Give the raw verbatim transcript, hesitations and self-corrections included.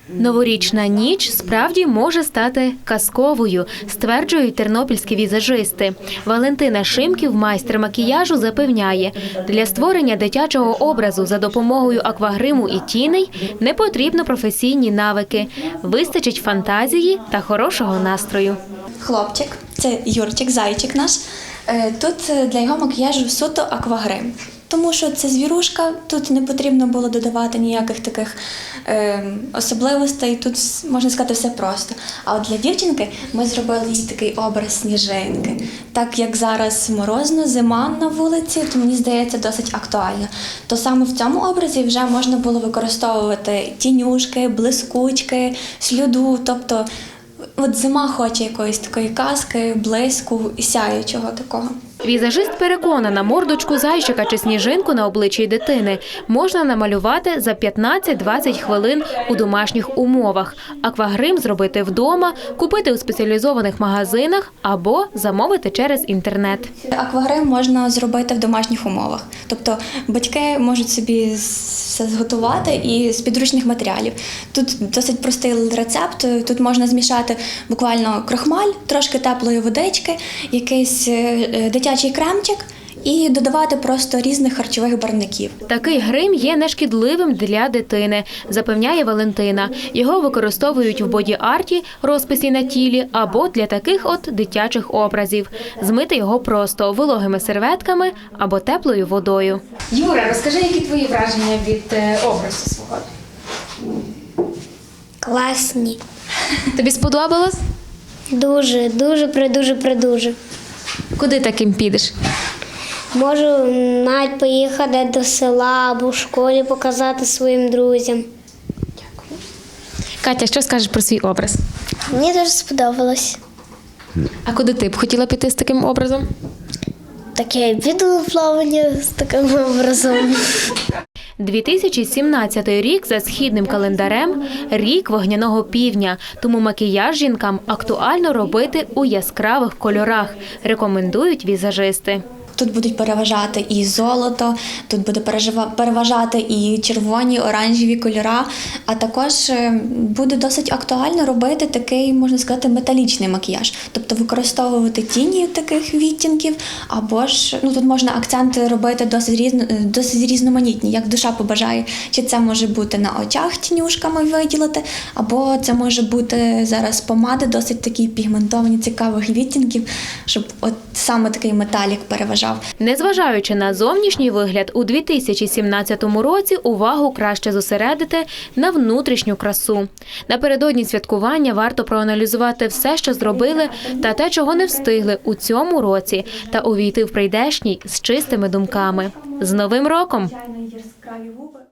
Новорічна ніч справді може стати казковою, стверджують тернопільські візажисти. Валентина Шимків, майстер макіяжу, запевняє, для створення дитячого образу за допомогою аквагриму і тіней не потрібно професійні навики. Вистачить фантазії та хорошого настрою. Хлопчик, це Юрчик, зайчик наш. Тут для його макіяжу суто аквагрим. Тому що це звірушка, тут не потрібно було додавати ніяких таких е, особливостей, тут, можна сказати, все просто. А от для дівчинки ми зробили їй такий образ сніжинки. Так як зараз морозно, зима на вулиці, то мені здається досить актуально. То саме в цьому образі вже можна було використовувати тінюшки, блискучки, слюду, тобто от зима хоче якоїсь такої казки, блиску і сяючого такого. Візажист переконана, мордочку зайчика чи сніжинку на обличчі дитини можна намалювати за п'ятнадцять-двадцять хвилин у домашніх умовах. Аквагрим зробити вдома, купити у спеціалізованих магазинах або замовити через інтернет. Аквагрим можна зробити в домашніх умовах. Тобто батьки можуть собі все зготувати і з підручних матеріалів. Тут досить простий рецепт. Тут можна змішати буквально крохмаль, трошки теплої водички, якийсь дитячий кремчик і додавати просто різних харчових барвників. Такий грим є нешкідливим для дитини, запевняє Валентина. Його використовують в боді-арті, розписі на тілі або для таких от дитячих образів. Змити його просто вологими серветками або теплою водою. Юра, розкажи, які твої враження від образу свого? Класні. Тобі сподобалось? Дуже, дуже, придуже, придуже. Куди таким підеш? Можу навіть поїхати до села або в школі показати своїм друзям. Катя, що скажеш про свій образ? Мені дуже сподобалось. А куди ти б хотіла піти з таким образом? Таке відловлення з таким образом. дві тисячі сімнадцятий рік за східним календарем – рік вогняного півдня, тому макіяж жінкам актуально робити у яскравих кольорах, рекомендують візажисти. Тут будуть переважати і золото, тут буде переважати і червоні, оранжеві кольора, а також буде досить актуально робити такий, можна сказати, металічний макіяж. Тобто використовувати тіні таких відтінків, або ж, ну тут можна акценти робити досить, різно, досить різноманітні, як душа побажає. Чи це може бути на очах тінюшками виділити, або це може бути зараз помади досить такі пігментовані, цікавих відтінків, щоб от саме такий металік переважав. Незважаючи на зовнішній вигляд, у дві тисячі сімнадцятому році увагу краще зосередити на внутрішню красу. Напередодні святкування варто проаналізувати все, що зробили, та те, чого не встигли у цьому році, та увійти в прийдешній з чистими думками. З Новим роком!